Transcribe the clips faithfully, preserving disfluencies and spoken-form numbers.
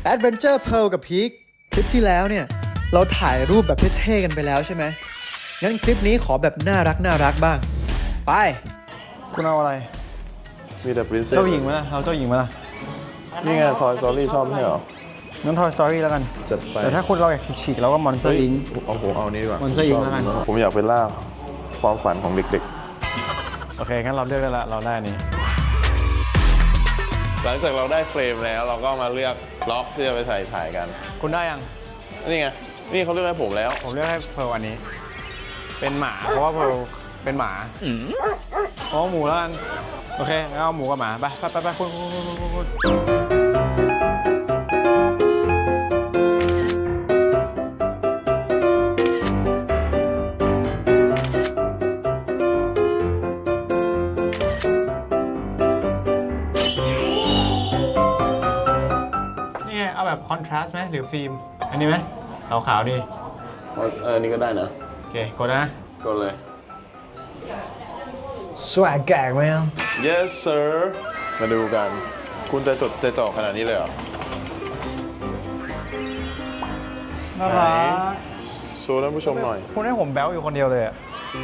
Adventure Pearl กับพีคคลิปที่แล้วเนี่ยเราถ่ายรูปแบบเท่ๆกันไปแล้วใช่ไหมงั้นคลิปนี้ขอแบบน่ารักน่ารักบ้างไปคุณเอาอะไรมีแต่ princess เจ้าหญิงไหมล่ะเราเจ้าหญิงไหมล่ะนี่ไง Toy Story ชอบไม่ใช่เหรองั้น Toy Story แล้วกันจัดไปแต่ถ้าคุณเราอยากฉีกๆเราก็ Monster เฮ้ย Inc เอาผมเอานี้ดีกว่า Monster Inc แล้วกันผมอยากเป็นล่าความฝันของเด็กโอเคงั้นเราเลือกได้ละเราได้นี้ๆ หลังจากเราได้เฟรมแล้วเราก็มาเลือกล็อกที่จะไปใส่ถ่ายกันคุณได้ยังนี่ไง นี่เขาเลือกให้ผมแล้วผมเลือกให้เพร์ลอันนี้ เป็นหมาเพราะว่าเพร์ลเป็นหมาอ๋อหมูแล้วกันโอเคงั้นเอาหมูกับหมาไปไปไปไปคุณคุณคุณคุณคุณนี่ไงเอาแบบคอนทราสต์ไหมหรือฟิล์มอันนี้ไหมขาวๆดีเออ นี่ก็ได้นะโอเคกดนะก็เลยสวกแกกไหมครับ yes sir มาดูกัน คุณจะจดใจจ่อขนาดนี้เลยเหรอน่ารักโชว์ท่านผู้ชมหน่อยคุณให้ผมแบ๊วอยู่คนเดียวเลยอ่ะ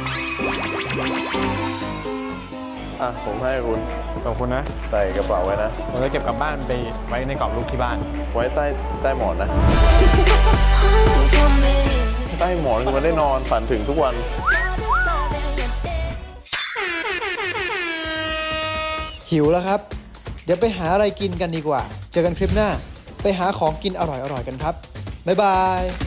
อ่ะ ผมให้คุณขอบคุณนะใส่กระเป๋าไว้นะผมจะเก็บกลับบ้านไปไว้ในกรอบรูปที่บ้านไว้ใต้ใต้หมอนนะ ใต้หมอนคือมันได้นอนฝันถึงทุกวันหิวแล้วครับ เดี๋ยวไปหาอะไรกินกันดีกว่า เจอกันคลิปหน้า ไปหาของกินอร่อยๆกันครับ บ๊ายบาย